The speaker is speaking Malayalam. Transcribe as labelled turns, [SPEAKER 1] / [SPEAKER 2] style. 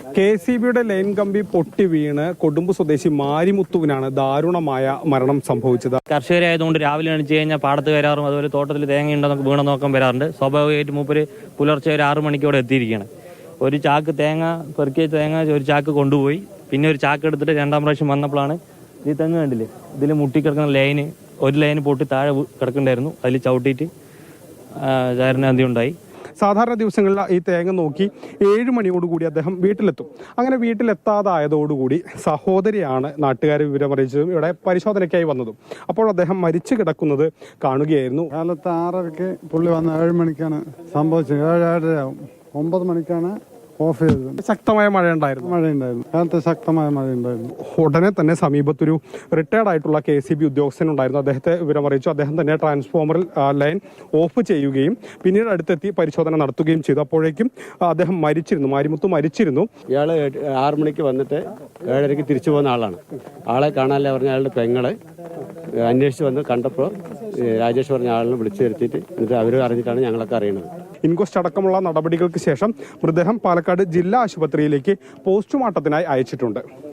[SPEAKER 1] KCBയുടെ ലൈൻ കമ്പി പൊട്ടി വീണ് കൊടുമ്പ് സ്വദേശി മാരിമുത്തുവിനാണ് ദാരുണമായ മരണം സംഭവിച്ചത്.
[SPEAKER 2] കർഷകരായതുകൊണ്ട് രാവിലെ എണിച്ച് കഴിഞ്ഞാൽ പാടത്ത് വരാറും അതുപോലെ തോട്ടത്തിൽ തേങ്ങ ഉണ്ടോ വീണ നോക്കാൻ വരാറുണ്ട്. സ്വാഭാവികമായിട്ട് മൂപ്പര് പുലർച്ചെ ഒരു 6 മണിക്കോടെ എത്തിയിരിക്കുകയാണ്. ഒരു ചാക്ക് തേങ്ങ പെറുക്കിയ തേങ്ങ ഒരു ചാക്ക് കൊണ്ടുപോയി, പിന്നെ ഒരു ചാക്ക് എടുത്തിട്ട് 2ാം പ്രാവശ്യം വന്നപ്പോഴാണ് ഈ തെങ്ങ് കണ്ടില്ലേ, ഇതിൽ മുട്ടിക്കിടക്കുന്ന ലൈന്, ഒരു ലൈന് പൊട്ടി താഴെ കിടക്കണ്ടായിരുന്നു. അതിൽ ചവിട്ടിയിട്ട് ചാരനാന്തി ഉണ്ടായി.
[SPEAKER 1] സാധാരണ ദിവസങ്ങളിൽ ഈ തേങ്ങ നോക്കി 7 മണിയോടുകൂടി അദ്ദേഹം വീട്ടിലെത്തും. അങ്ങനെ വീട്ടിലെത്താതായതോടുകൂടി സഹോദരിയാണ് നാട്ടുകാരെ വിവരമറിയിച്ചതും ഇവിടെ പരിശോധനയ്ക്കായി വന്നതും. അപ്പോൾ അദ്ദേഹം മരിച്ചു കിടക്കുന്നത് കാണുകയായിരുന്നു.
[SPEAKER 3] കാലത്ത് 6:30 പുള്ളി വന്ന് 7 മണിക്കാണ് സംഭവിച്ചത്. 7:30 9 മണിക്കാണ് ഓഫ് ചെയ്തത്.
[SPEAKER 1] ശക്തമായ മഴയുണ്ടായിരുന്നു.
[SPEAKER 3] കാലത്ത് ശക്തമായ മഴയുണ്ടായിരുന്നു.
[SPEAKER 1] ഉടനെ തന്നെ സമീപത്തൊരു റിട്ടയർഡ് ആയിട്ടുള്ള KCB ഉദ്യോഗസ്ഥൻ ഉണ്ടായിരുന്നു. അദ്ദേഹത്തെ വിവരമറിയിച്ചു. അദ്ദേഹം തന്നെ ട്രാൻസ്ഫോമറിൽ ലൈൻ ഓഫ് ചെയ്യുകയും പിന്നീട് അടുത്തെത്തി പരിശോധന നടത്തുകയും ചെയ്തു. അപ്പോഴേക്കും അദ്ദേഹം മരിച്ചിരുന്നു. മാരിമുത്ത് മരിച്ചിരുന്നു.
[SPEAKER 4] ഇയാള് 6 മണിക്ക് വന്നിട്ട് 7:30 തിരിച്ചു പോകുന്ന ആളാണ്. ആളെ കാണാനല്ലേ പറഞ്ഞ അയാളുടെ പെങ്ങളെ അന്വേഷിച്ച് വന്ന് കണ്ടപ്പോൾ രാജേഷ് പറഞ്ഞ ആളിനെ വിളിച്ചു വരുത്തിയിട്ട് എന്നിട്ട് അവർ അറിഞ്ഞിട്ടാണ് ഞങ്ങളൊക്കെ അറിയുന്നത്.
[SPEAKER 1] ഇൻക്വസ്റ്റ് അടക്കമുള്ള നടപടികൾക്ക് ശേഷം മൃതദേഹം പാലക്കാട് ജില്ലാ ആശുപത്രിയിലേക്ക് പോസ്റ്റ്മോർട്ടത്തിനായി അയച്ചിട്ടുണ്ട്.